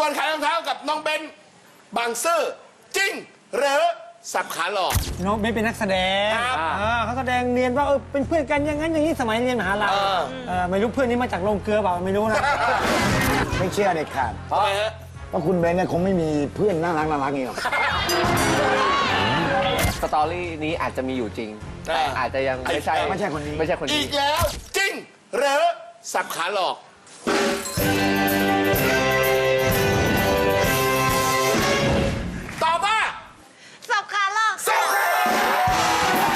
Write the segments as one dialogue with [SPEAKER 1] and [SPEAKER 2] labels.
[SPEAKER 1] รขายรองเท้ากับน้องเบนบางซื่อจริงหรือสับขาหลอก
[SPEAKER 2] น้องเบนเป็นนักแสดง
[SPEAKER 1] ครับ
[SPEAKER 2] เขาแสดงเรียนว่าเป็นเพื่อนกันอย่างนั้นอย่างนี้สมัยเรียนมหาลัยไม่รู้เพื่อนนี้มาจากโรงเกลือเปล่าไม่รู้นะ
[SPEAKER 3] ไม่เชื่อเด็ดขาด
[SPEAKER 1] ทำไมฮะ
[SPEAKER 3] เพราะคุณเบนเนี่ยคงไม่มีเพื่อนน่ารักนี่หรอก
[SPEAKER 4] สตอรี่นี้อาจจะมีอยู่จริง แต่อาจจะยังไม่ใช่
[SPEAKER 3] ไม่ใช่คนนี้
[SPEAKER 4] ไม่ใช่คน
[SPEAKER 1] อี
[SPEAKER 4] นี้
[SPEAKER 1] กแล้วจริงหรือสับขาหลอกตอบว่า
[SPEAKER 5] สับขาหลอก
[SPEAKER 1] สับขาหลอก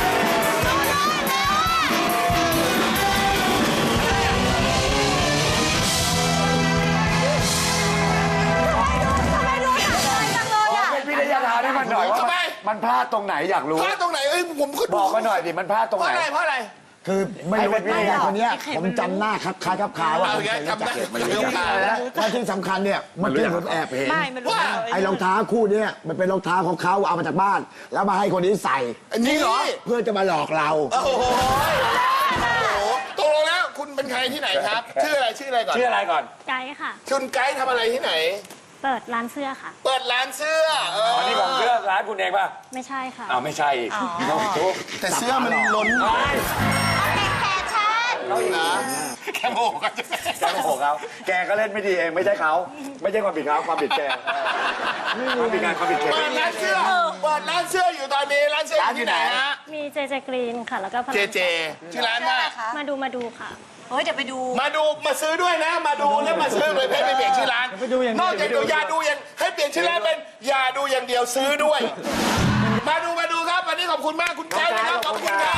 [SPEAKER 5] ทำไมรู้จักเลยจังเลยอ่ะ
[SPEAKER 3] เป็นวิทยาทานให้มันหน่อยว่ามันพลาดตรงไหนอยากรู้
[SPEAKER 1] พลาดตรงไหนผมก็
[SPEAKER 3] บอกมาหน่อยดิมันพลาดตรง
[SPEAKER 1] เพ
[SPEAKER 3] ไหน
[SPEAKER 1] ราะอะไร
[SPEAKER 3] คือไม่รู้ว่าวิทยาคนเนี้ยผมจำหน้าครับคล้ายครับคาว่า
[SPEAKER 1] เอา
[SPEAKER 3] ผม
[SPEAKER 1] แก
[SPEAKER 3] เคยรู้
[SPEAKER 1] จำ
[SPEAKER 3] จั
[SPEAKER 1] ได้
[SPEAKER 3] ก
[SPEAKER 1] มันเรื่องการแล้ว
[SPEAKER 3] และที่สำคัญเนี่ยเมื่อกี้ผมแอบเห็น
[SPEAKER 5] ไม่มันรู้
[SPEAKER 1] ว่า
[SPEAKER 3] ไอ้รองเท้าคู่เนี้ยมันเป็นรองเท้าของเขาเอามาจากบ้าน แล้วมาให้คนนี้ใส่
[SPEAKER 1] อันนี้เหรอ
[SPEAKER 3] เพื่อจะมาหลอกเรา
[SPEAKER 1] โอ้โหตกลงแล้วคุณเป็นใครที่ไหนครับ ชื่ออะไรก่อน
[SPEAKER 3] ชื่ออะไรก่อน
[SPEAKER 6] ไกด์ค่ะ
[SPEAKER 1] คุณไกด์ทำอะไรที่ไหน
[SPEAKER 6] เปิดร้านเสื้อค่ะ
[SPEAKER 1] เปิดร้านเสื้ออันนี้ของ
[SPEAKER 3] ร้านคุณเองป่ะ
[SPEAKER 6] ไม่ใช่ค่ะ
[SPEAKER 3] อ้าวไม่ใช่อีกน้องทุก
[SPEAKER 1] แต่เสื้อมันล้น
[SPEAKER 5] แฟชั่น
[SPEAKER 1] เขาอีกนะแค่โง่กัน
[SPEAKER 3] แกโมโหเขาแกก็เล่นไม่ดีเองไม่ใช่เขาไม่ใช่ความผิดเขาความผิดแกความผิดการความผิดแก
[SPEAKER 1] เปิดร้านเสื้ออยู่ตอนนี้ร้านเสื้ออยู่ที่ไหนฮะ
[SPEAKER 6] มีเจเจกรีนค่ะ แล้วก็พลัง
[SPEAKER 1] เจชื่อร้านว่า
[SPEAKER 6] มาดูค่ะ
[SPEAKER 5] เฮ้ยเดี๋ยวไปดู
[SPEAKER 1] มาซื้อด้วยนะ มาดูแล้วมาซื้อเลยให้เปลี่ยนชื่อร้าน
[SPEAKER 2] ไปดูอย่างเดียว
[SPEAKER 1] นอกจากดูยาดูยังให้เปลี่ยนชื่อร้านเป็นยาดูอย่างเดียวซื้อด้วย มาดูครับวันนี้ขอบคุณมากคุณไกด์นะครับขอบคุณครับ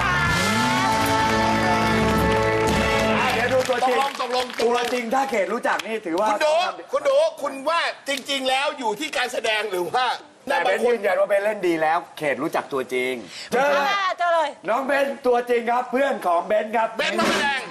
[SPEAKER 3] เดี๋ยวดูตัว
[SPEAKER 1] ต
[SPEAKER 3] จ
[SPEAKER 1] ก
[SPEAKER 3] ริง
[SPEAKER 1] ลง
[SPEAKER 3] ตัวจริงถ้าเขตรู้จักนี่ถือว่า
[SPEAKER 1] คุณดูคุณว่าจริง ๆ แล้วอยู่ที่การแสดงหรือว่า
[SPEAKER 3] แต่เบนยืนยันว่าเบนเล่นดีแล้ว เขตรู้จักตัวจริงเจอ
[SPEAKER 5] เจอเลย
[SPEAKER 3] น้องเบนตัวจริงครับเพื่อนของเบนครับ
[SPEAKER 1] เบนซ์มาแสดง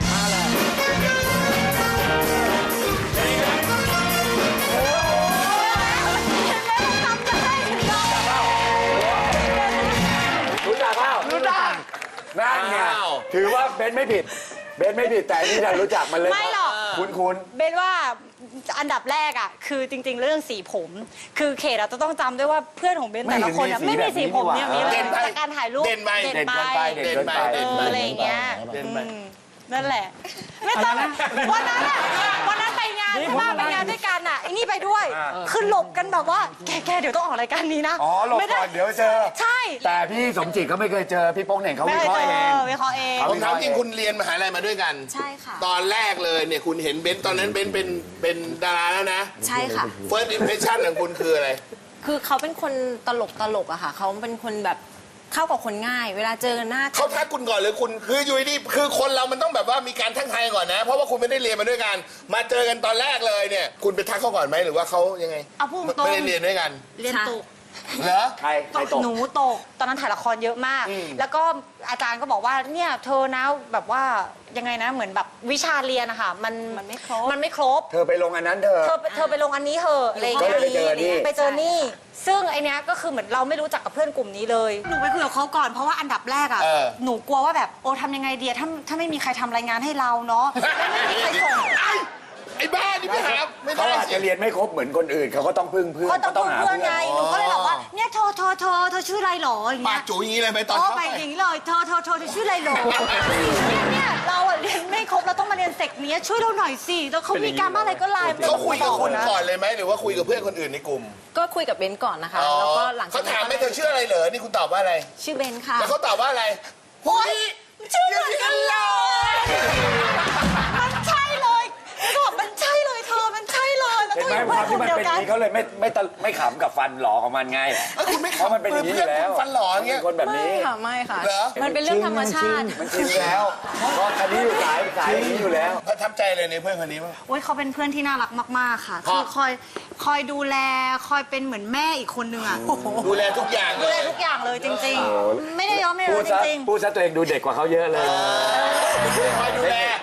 [SPEAKER 3] รู้จักเปล่ารู้จักนั่นไงถือว่าเบนไม่ผิดเบนไม่ผิดแต่นี่ดันรู้จักมันเลย
[SPEAKER 5] ไม่หรอก
[SPEAKER 3] คุ้น
[SPEAKER 5] เบนว่าอันดับแรกอ่ะคือจริง ๆ เรื่องสีผม คือเขตเราจะต้องจำด้วยว่าเพื่อนของเบนแต่ละคนอ่ะไม่มีสีผมเนี่ยมีเลยจากการถ่ายรูป
[SPEAKER 1] เด่นไป
[SPEAKER 3] เด่นเกินไปเด่นเกินไป
[SPEAKER 5] อะไรอย่างเงี้ย
[SPEAKER 1] เด่นไป
[SPEAKER 5] นั่นแหละ ไม่ต้องวันนั้นอะวันนั้นไปงานใช่ไหมไปงานด้วยกันอ่ะไอ้นี่ไปด้วย คือหลบกันแบบว่าแกเดี๋ยวต้องออกรายการนี้นะ
[SPEAKER 3] อ๋อหลบก่อนเดี๋ยวเจอ
[SPEAKER 5] ใช่
[SPEAKER 3] แต่พี่สมจิตเขาไม่เคยเจอพี่โป้งเหน่งเขา
[SPEAKER 5] ไม่
[SPEAKER 3] วิ
[SPEAKER 5] เค
[SPEAKER 3] เค
[SPEAKER 5] ย
[SPEAKER 3] ราะห์
[SPEAKER 5] เจ
[SPEAKER 3] เอง
[SPEAKER 5] อวิเคราะห์เอง
[SPEAKER 1] ผมถามจริงคุณเรียนมหาลัยมาด้วยกัน
[SPEAKER 5] ใช่ค่ะ
[SPEAKER 1] ตอนแรกเลยเนี่ยคุณเห็นเบนซ์ตอนนั้นเบนซ์เป็นดาราแล้วนะ
[SPEAKER 5] ใช่ค่ะ
[SPEAKER 1] First impression ของคุณคืออะไร
[SPEAKER 7] คือเขาเป็นคนตลกอะค่ะ เขาเป็นคนแบบเข้ากับคนง่าย เวลาเจอหน้า
[SPEAKER 1] เขาทักคุณก่อนหรือคุณคืออยู่ดีคือคนเรามันต้องแบบว่ามีการทักทายก่อนนะ เพราะว่าคุณไม่ได้เรียนมาด้วยกัน มาเจอกันตอนแรกเลยเนี่ย คุณไปทักเขาก่อนไหมหรือว่าเขายังไง
[SPEAKER 5] เอาพูดตรง
[SPEAKER 1] ไม่ได้เรียนด้วยกัน
[SPEAKER 5] เรียนตก
[SPEAKER 1] เหรอ
[SPEAKER 3] ใครตก
[SPEAKER 5] หนูตกตอนนั้นถ่ายละครเยอะมาก แล้วก็อาจารย์ก็บอกว่าเนี่ยเธอนะแบบว่ายังไงนะเหมือนแบบวิชาเรียนอะค่ะมันไม่ครบ
[SPEAKER 3] เธอไปลงอันนั้นเธอ
[SPEAKER 5] เธอไปลงอันนี้เถอะอะไรอย่าง
[SPEAKER 3] ก็
[SPEAKER 5] เงี้ย
[SPEAKER 3] เลยไปเจอนี่
[SPEAKER 5] ไปเจอนี่ ซึ่งไอเนี้ยก็คือเหมือนเราไม่รู้จักกับเพื่อนกลุ่มนี้เลยหนูไปคุยกับเขาก่อนเพราะว่าอันดับแรกอะหนูกลัวว่าแบบโอ้ทำยังไงดีถ้าไม่มีใครทำรายงานให้เราเนาะไม่มีใครส่ง
[SPEAKER 1] ไอ้บ้านี่ไม่หาไม่
[SPEAKER 3] เขา
[SPEAKER 1] ได้
[SPEAKER 3] อาจ
[SPEAKER 1] สิ
[SPEAKER 3] จะเรียนไม่ครบเหมือนคนอื่นเขาก็ต้องพึ่งเพื่อน
[SPEAKER 5] ก็ต้อง
[SPEAKER 3] หา
[SPEAKER 5] เพื่อนไงหนูก็เลยบอกว่าเนี่ยเธอชื่ออะไรหรออย่าง
[SPEAKER 1] ปา
[SPEAKER 5] เงี้
[SPEAKER 1] ก
[SPEAKER 5] ย
[SPEAKER 1] จูอย่างนี้เลยไปตอน
[SPEAKER 5] อ๋อ
[SPEAKER 1] เข้า
[SPEAKER 5] ไป
[SPEAKER 1] ไป
[SPEAKER 5] อย่างนี้เลยเธอชื่ออะไรหรอเนี่ยเราอะเรียนไม่ครบเราต้องมาเรียนเสกเนี้ยช่วยเราหน่อยสิแล้วเขามีการบ้านอะไรก็ไลน์
[SPEAKER 1] เขาคุยกับคุณ
[SPEAKER 5] นะ
[SPEAKER 1] ก่อนเลยไหมหรือว่าคุยกับเพื่อนคนอื่นในกลุ่ม
[SPEAKER 7] ก็คุยกับเบนซ์ก่อนนะคะ แล้วก็หลังจา
[SPEAKER 1] เขา
[SPEAKER 7] ก
[SPEAKER 1] ถาม
[SPEAKER 7] นั้น
[SPEAKER 1] ไม่เธอชื่ออะไรเหรอนี่คุณตอบว่าอะไร
[SPEAKER 7] ชื่อเบนซ์ค่ะ
[SPEAKER 1] แล้วเขาตอบว่าอะไร
[SPEAKER 5] โอ้ยชื่อเหมือนกันเลยมันใช่เลยเขาบอกมันใช่เลยเธอมันใช่เลยแล้ว
[SPEAKER 3] เห็น
[SPEAKER 5] ก็
[SPEAKER 3] ไหม
[SPEAKER 5] อยู่
[SPEAKER 3] ค
[SPEAKER 5] เพื่อ
[SPEAKER 3] วาน ม
[SPEAKER 5] ก ลุ่มเดียวกัน
[SPEAKER 3] ที่มันเป็นอย่างนี้เขาเลยไม่ขำกับฟันหลอของมันไง
[SPEAKER 1] คุณไม่
[SPEAKER 3] เพราะมันเป็นอย่างนี้อยู่แล้ว
[SPEAKER 1] ฟันหล่ออย่างเงี้ย
[SPEAKER 3] เป็นคนแบบ
[SPEAKER 7] ไม่
[SPEAKER 3] นี้
[SPEAKER 7] ค่ะไม่ค่ะ
[SPEAKER 1] เหรอ
[SPEAKER 7] มันเป็นเรื่องธรรมชาติ
[SPEAKER 3] มันชินแล้วเพราะคันนี้อยู่สายอย่างนี้อยู่แล้ว
[SPEAKER 1] ประทับใจเลยในเพื่อนคนนี้มั้ง
[SPEAKER 5] โอ้ยเขาเป็นเพื่อนที่น่ารักมากๆค่ะ คือคอยดูแลคอยเป็นเหมือนแม่อีกคนนึงอ่ะ
[SPEAKER 1] ดูแลทุกอย่างเล
[SPEAKER 5] ดูแล
[SPEAKER 1] ย
[SPEAKER 5] ทุกอย่างเลยจริงๆ ไม่ได้ย้อมไม่
[SPEAKER 3] พู
[SPEAKER 5] ได้
[SPEAKER 3] ดซะ
[SPEAKER 5] จริง
[SPEAKER 3] พูดซะตัวเองดูเด็กกว่าเขาเยอะเลย
[SPEAKER 1] คอยดูแล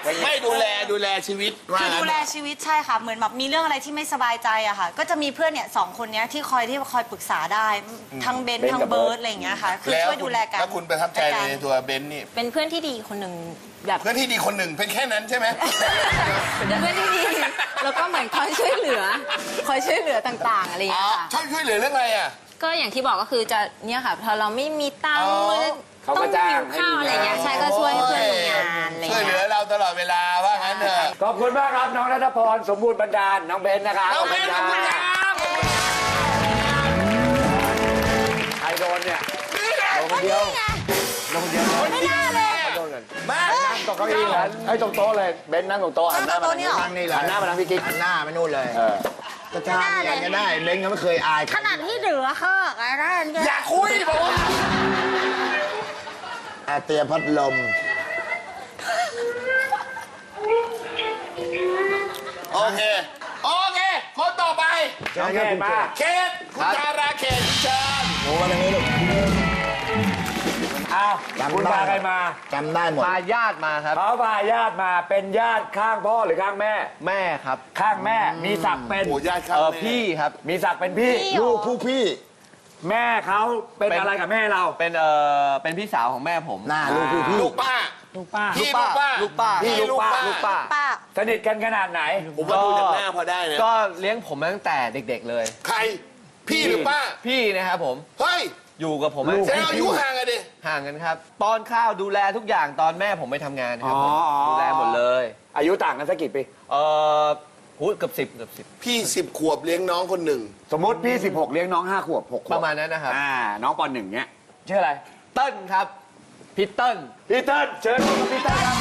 [SPEAKER 1] ไม่ดูแลชีวิตว่า
[SPEAKER 5] คือ
[SPEAKER 1] งั้น
[SPEAKER 5] ดูแลชีวิตใช่ค่ะ เหมือนแบบมีเรื่องอะไรที่ไม่สบายใจอะค่ะ ก็จะมีเพื่อนเนี่ย2 คนเนี้ยที่คอยปรึกษาได้ทั้งเบนซ์ทั้งเบิร์ดอะไรอย่างเงี้ยค่ะ คือช่วยดูแลกัน
[SPEAKER 1] แล้วคุณประทับใจในตัวเบนซ์นี่
[SPEAKER 7] เป็นเพื่อนที่ดีคนหนึ่งแบบ
[SPEAKER 1] เพื่อนที่ดีคนหนึ่งเป็นแค่นั้นใช่ไหม
[SPEAKER 7] เป็นเพื่อนที่ดีแล้วก็เหมือนคอยช่วยเหลือต่างๆอะไรอย่าง
[SPEAKER 1] อ๋อ
[SPEAKER 7] เงี้ยค่ะ
[SPEAKER 1] ช่วยเหลือเรื่องอะไรอ่ะ
[SPEAKER 7] ก็อย่างที่บอกก็คือจะเนี่ยค่ะพอเราไม่มีตังค์
[SPEAKER 3] เขา
[SPEAKER 7] ต้
[SPEAKER 3] ก็
[SPEAKER 7] อง
[SPEAKER 3] จ้า
[SPEAKER 7] หิ
[SPEAKER 3] ง
[SPEAKER 7] ว
[SPEAKER 3] ให้
[SPEAKER 7] ข้าว
[SPEAKER 3] มี
[SPEAKER 7] อะไรเงี้ยใช่ก็ช่วยเพื่อนทำงานอะไร
[SPEAKER 1] ช่วยเหลื
[SPEAKER 7] เงี้
[SPEAKER 1] อย เราตลอดเวลาว่างั้นเถอะ
[SPEAKER 3] ขอบคุณมากครับน้องรัตพรสมบูรณ์บรรดาลน้องเบนนะครับ
[SPEAKER 1] น้องเบนซ์ขอบคุณครับ
[SPEAKER 3] ใครโดนเนี่ยโดนคนเดียวโดนคนเดียว
[SPEAKER 5] ไม่น่าเลย
[SPEAKER 3] โดนกัน
[SPEAKER 1] มา
[SPEAKER 3] นั่งตรงเก้าอี้นั้นไอ้ตรงโต๊ะเลยเบนนั่งตรงโต๊ะหันหน้ามาทางนี้
[SPEAKER 5] นั่งตรงโต๊ะนี่เหรอ
[SPEAKER 3] หันหน้ามาทางพี่กิ๊ก
[SPEAKER 8] หน้าไปนู่นเลย
[SPEAKER 3] เออ
[SPEAKER 8] จะทำยังไงก็ได้เล้งก็ไม่เคยอายใค
[SPEAKER 5] ข
[SPEAKER 8] ร
[SPEAKER 5] นาดที่เหลือเฮ้อะไรเนี่ย
[SPEAKER 1] อย่าคุยบอกว่า
[SPEAKER 8] เตรียมพัดลม
[SPEAKER 1] โอเคคนต่อไป
[SPEAKER 3] น้องเขตมา
[SPEAKER 1] เขตคุณดาราเขตเชิญ
[SPEAKER 8] โอ้มาทางนี้ลูก
[SPEAKER 3] อ้าว
[SPEAKER 8] จำได้
[SPEAKER 3] คุณพาใครมา
[SPEAKER 8] จำได้หมด
[SPEAKER 4] พาญาติมาครับ
[SPEAKER 3] เขาพาญาติมาเป็นญาติข้างพ่อหรือข้างแม่
[SPEAKER 4] แม่ครับ
[SPEAKER 3] ข้างแม่มีศักดิ์เป็น
[SPEAKER 1] โอ้ญาติครับ
[SPEAKER 4] พี่ครับ
[SPEAKER 3] มีศักดิ์เป็นพี่
[SPEAKER 8] ลูกผู้พี่
[SPEAKER 3] แม่เขาเป็นอะไรกับแม่เรา
[SPEAKER 4] เป็นพี่สาวของแม่ผม
[SPEAKER 8] หน้าลูกผู้พี่
[SPEAKER 1] ลูกป้า
[SPEAKER 2] ลูกป้า
[SPEAKER 1] พี่ลูกป้า
[SPEAKER 4] ลูกป้า
[SPEAKER 1] พี่ลูกป้า
[SPEAKER 3] ลูกป้า
[SPEAKER 5] ป้า
[SPEAKER 3] สนิทกันขนาดไหน
[SPEAKER 1] ผมว่าดูจากหน้าพอได้นะ
[SPEAKER 4] ก็เลี้ยงผมมาตั้งแต่เด็กๆเลย
[SPEAKER 1] ใครพี่หรือป้า
[SPEAKER 4] พี่นะครับผม
[SPEAKER 1] เฮ้ย
[SPEAKER 4] อยู่กับผม
[SPEAKER 1] แสดงอายุห่างกันดิ
[SPEAKER 4] ห่างกันครับป้อนข้าวดูแลทุกอย่างตอนแม่ผมไปทำงานครับผม
[SPEAKER 3] อ๋อ
[SPEAKER 4] ดูแลหมดเลย
[SPEAKER 3] อายุต่างกันสักกี่ปี
[SPEAKER 4] เกือบ10
[SPEAKER 1] พี่10 ขวบเลี้ยงน้องคนหนึ่ง
[SPEAKER 3] สมมติพี่ 16 เลี้ยงน้อง 5 ขวบ 6 ขวบ
[SPEAKER 4] ประมาณนั้นนะครับ
[SPEAKER 3] น้องป .1 เนี้ยชื่ออะไร
[SPEAKER 4] เติ้ลครับพี่เติ้ล
[SPEAKER 3] พี่เติ้ลเชิญครับพี่เติ้ลครับ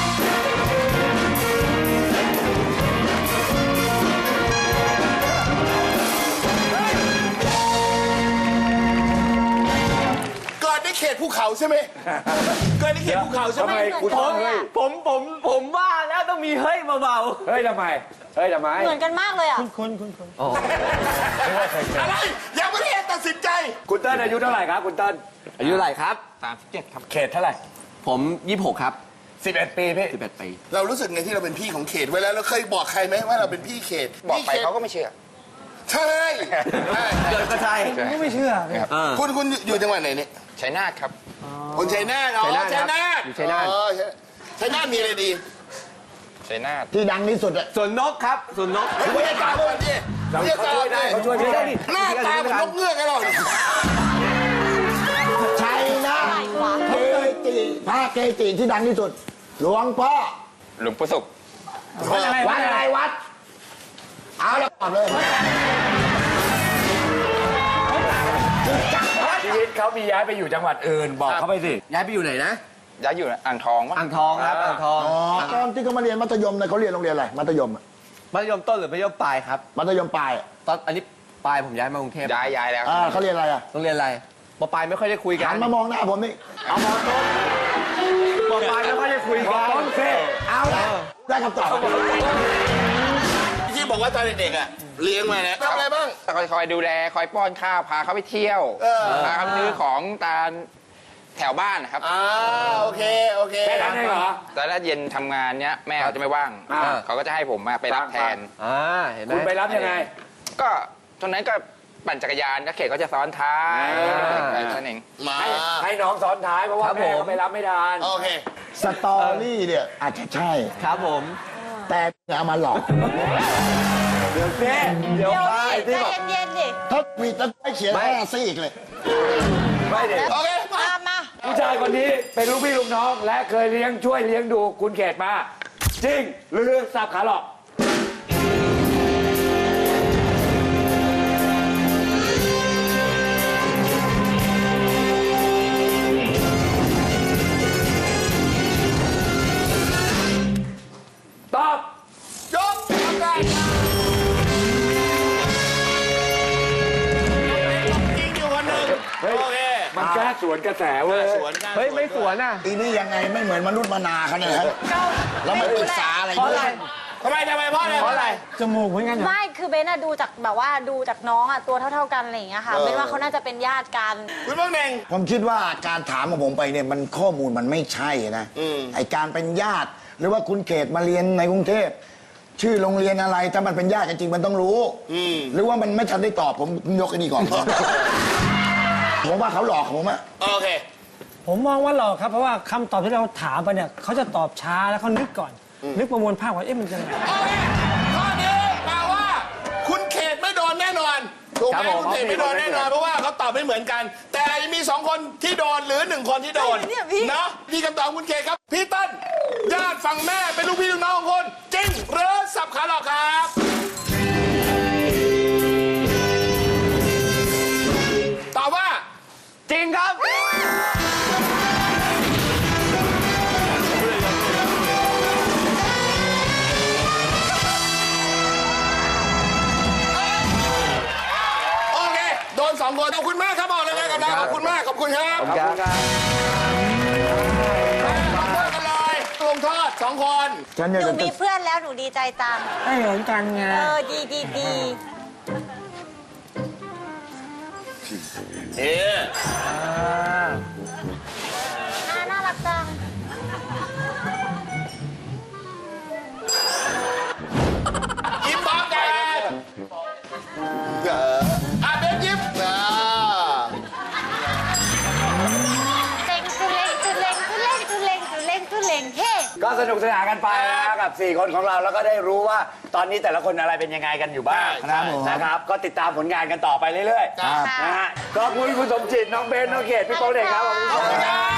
[SPEAKER 1] เกิดในเขตภูเขาใช่ไหมเกิดในเขตภูเขาใช่
[SPEAKER 3] ทำ
[SPEAKER 1] ไหม
[SPEAKER 3] ไมคุณต้องเฮ้ย
[SPEAKER 4] ผมว่าแล้วต้องมีเฮ้ยเบา
[SPEAKER 3] เฮ้ยทำไม เฮ้ยทำไม
[SPEAKER 5] เหมือนกันมากเลยอ่ะ
[SPEAKER 2] คุณ
[SPEAKER 1] อะไรยังไม่ได้ตัดสินใจ
[SPEAKER 3] คุณเติ้ลอายุเท่าไหร่ครับ คุณเติ้ล
[SPEAKER 4] ๆอายุเท่าไหร่ครับ37ครับ
[SPEAKER 3] เขตเท่าไหร่
[SPEAKER 4] ผม26ครับ
[SPEAKER 3] 11 ปีพี่
[SPEAKER 4] 11ปี
[SPEAKER 1] เรารู้สึกไงที่เราเป็นพี่ของเขตเวลาเราเคยบอกใครไหมว่าเราเป็นพี่เขต
[SPEAKER 8] บอกไป
[SPEAKER 1] พี่ขต
[SPEAKER 8] เขาก็ไม่เชื่อ
[SPEAKER 1] ใช่ใช่
[SPEAKER 4] เกิดก็ใช่
[SPEAKER 2] ผมก็ไม่เชื่อ
[SPEAKER 1] คุณอยู่จังหวัดไหนเนี่ย
[SPEAKER 8] ชัยนาทครับ
[SPEAKER 1] คนชัยนาทอ๋อ
[SPEAKER 4] ชัยนาทครับอยู่ชัยนาท
[SPEAKER 1] อ๋อชัยนาทมีอะไรดี
[SPEAKER 8] ชัยนาทที่ดังที่สุดอะ
[SPEAKER 4] ส่วนนกครับส่วนนก
[SPEAKER 1] เฮ้ยไม่ได้ตามเลยดิไม่ได้ตาม
[SPEAKER 3] เขาช่วยได้
[SPEAKER 1] หน้าตาเหมือนนกเงือกกันหรอ
[SPEAKER 8] ชัยนาทเกจิพระเกจิที่ดังที่สุด หลวงพ่อ
[SPEAKER 9] หลวงปู่ศุกร์
[SPEAKER 3] วัดอะไร
[SPEAKER 8] วัดอะไรวัด เอาแล้วตอบเลย
[SPEAKER 3] ชีวิตเขามีย้ายไปอยู่จังหวัดอื่น บอกเขาไปสิ
[SPEAKER 4] ย้ายไปอยู่ไหนนะ
[SPEAKER 9] ย้ายอยู่อ่างทองวะ
[SPEAKER 4] อ่างทองครับอ่างทอง
[SPEAKER 8] อ๋อตอนที่เขามาเรียนมัธยมเนี่ยเขาเรียนโรงเรียนอะไร มัธยมอะ
[SPEAKER 4] มัธยมต้นหรือมัธยมปลายครับ
[SPEAKER 8] มัธยมปลายอะ
[SPEAKER 4] ตอนอันนี้ปลายผมย้ายมากรุงเทพ
[SPEAKER 9] ย้ายแล้ว
[SPEAKER 8] เขาเรียนอะไรอะ
[SPEAKER 4] โรงเรียนอะไรปปลายไม่ค่อยได้คุยกัน
[SPEAKER 8] หันมามองหน้าผมนี่
[SPEAKER 3] เอามอต้น
[SPEAKER 4] ปปลายไม่ค่อยได้คุย
[SPEAKER 3] มอ
[SPEAKER 4] กัน
[SPEAKER 3] ต้นเซ่
[SPEAKER 8] เอาแล้วได้คำตอบ
[SPEAKER 1] ที่บอกว่าตอนเด็กๆอ่ะเลี้ยงมานะทำอะไรบ้าง
[SPEAKER 9] คอยดูแล คอยป้อนข้าว พาเขาไปเที่ยว พาเขาไปซื้อของตามแถวบ้านนะครับ
[SPEAKER 1] โอเค
[SPEAKER 3] แค่นั้นเองเหรอ
[SPEAKER 9] แต่ถ้าเย็นทำงานเนี้ยแม่เขาจะไม่ว่าง เขาก็จะให้ผมมาไปรับแทน
[SPEAKER 4] เห็นไหม
[SPEAKER 3] คุณไปรับยังไง
[SPEAKER 9] ก็ตอนนั้นก็ปั่นจักรยานแล้วเขตก็จะซ้อนท้ายอะไรนั่นเอง
[SPEAKER 1] มา
[SPEAKER 3] ให้น้องซ้อนท้ายเพราะว่าแม่เขาไปรับไม่ทัน
[SPEAKER 1] โอเค
[SPEAKER 8] สตอรี่เนี่ยอาจจะใช่
[SPEAKER 4] ครับผม
[SPEAKER 8] แต่เอามาหลอก
[SPEAKER 3] เดี๋ยวเซ่
[SPEAKER 5] เดี๋ยวดิใจเย็นๆดิ
[SPEAKER 8] ถ้ามีตั้งใจเขียน5ซี่อีกเลย
[SPEAKER 3] ไม่เด็
[SPEAKER 1] โอเค
[SPEAKER 5] มา
[SPEAKER 3] ผู้ชายคนนี้เป็นลูกพี่ลูกน้อง และเคยช่วยเลี้ยงดูคุณเขตมา จริง หรือสับขาหลอก ตอบ
[SPEAKER 1] จบทำได้จริงอยู่คนหนึ่ง
[SPEAKER 3] เฮ้ย
[SPEAKER 1] โอเค
[SPEAKER 3] มันกล้าสวนกระแสเว้ย
[SPEAKER 1] สวนกัน
[SPEAKER 4] เฮ้ยไม่สวนอ่ะ
[SPEAKER 8] อีนี่ยังไงไม่เหมือนมนุษย์มนาเขาเนี่ยฮะ
[SPEAKER 5] เรา
[SPEAKER 8] เราไม่ปรึกษาอะไร
[SPEAKER 4] เพราะ
[SPEAKER 8] ด้
[SPEAKER 4] อะไร
[SPEAKER 8] วย
[SPEAKER 1] ทำไมเพราะอะไร
[SPEAKER 2] จมูกเหมือนกันเหรอ
[SPEAKER 5] ไม่คือเบนอะดูจากแบบว่าดูจากน้องอะตัวเท่าๆกันอะไรอย่างเงี้ยค่ะเบนว่าเขาน่าจะเป็นญาติกัน
[SPEAKER 1] คุณบ้างเน่ง
[SPEAKER 8] ผมคิดว่าการถามของผมไปเนี่ยมันข้อมูลมันไม่ใช่นะไอการเป็นญาติ หรือว่าคุณเขตมาเรียนในกรุงเทพชื่อโรงเรียนอะไรถ้ามันเป็นญาติกันจริงมันต้องรู้หรือว่ามันไม่ทันได้ตอบผมยกไอ้นี่ก่อน ผมว่าเขาหลอกผมอะ
[SPEAKER 1] โอเค
[SPEAKER 2] ผมมองว่าหลอกครับเพราะว่าคำตอบที่เราถามไปเนี่ยเขาจะตอบช้าแล้วเขานึกก่อน นึกประมวลภาพว่าเอ๊ะมันจะไง
[SPEAKER 1] โอเคข้อนี้แปลว่า คุณเขตไม่โดนแน่นอนถูกไหมคุณเขตไม่โดนแน่นอนเพราะว่าเขาตอบไม่เหมือนกัน แต่มี2 คนที่โดนหรือ1 คนที่โดนเนาะนี่คำตอบคุณเขตครับพี่เต้นญาติฝั่งแม่เป็นลูกพี่ลูกน้องของคนจริงหรือสับขาหลอกครับตอบว่า
[SPEAKER 4] จริงครับ
[SPEAKER 1] โอเคโดน2 คนขอบคุณมากครับบอกเลยนะกับเราขอบคุณมากขอบคุณครับ
[SPEAKER 4] ขอบคุณครับ
[SPEAKER 1] ลงโทษกันเลยลงโทษ2 คน
[SPEAKER 8] ฉัน
[SPEAKER 5] ห
[SPEAKER 8] อยาก
[SPEAKER 5] นู
[SPEAKER 8] จะ
[SPEAKER 5] มีเพื่อนแล้วหนูดีใจจัง
[SPEAKER 2] ได้เหมือนกันไง
[SPEAKER 5] ดี
[SPEAKER 1] เอ๊ะ
[SPEAKER 5] น่ารักจัง
[SPEAKER 1] ยิ้มพร้อมกันเบนยิ้ม
[SPEAKER 5] เล่งเฮ้
[SPEAKER 3] ก็สนุกสนานกันไปนะกับ 4 คนของเราแล้วก็ได้รู้ว่าตอนนี้แต่ละคนอะไรเป็นยังไงกันอยู่บ้างนะครับก็ติดตามผลงานกันต่อไปเรื่อยๆนะฮะขอบคุณคุณสมจิตน้องเบนน้องเขตพี่โป๊งเด็กครับขอบคุณครับ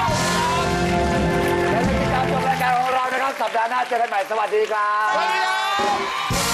[SPEAKER 3] และติดตามชมรายการของเรานะครับสัปดาห์หน้าเจอกันใหม่สวัสดีครับ
[SPEAKER 1] สวัสดีครับ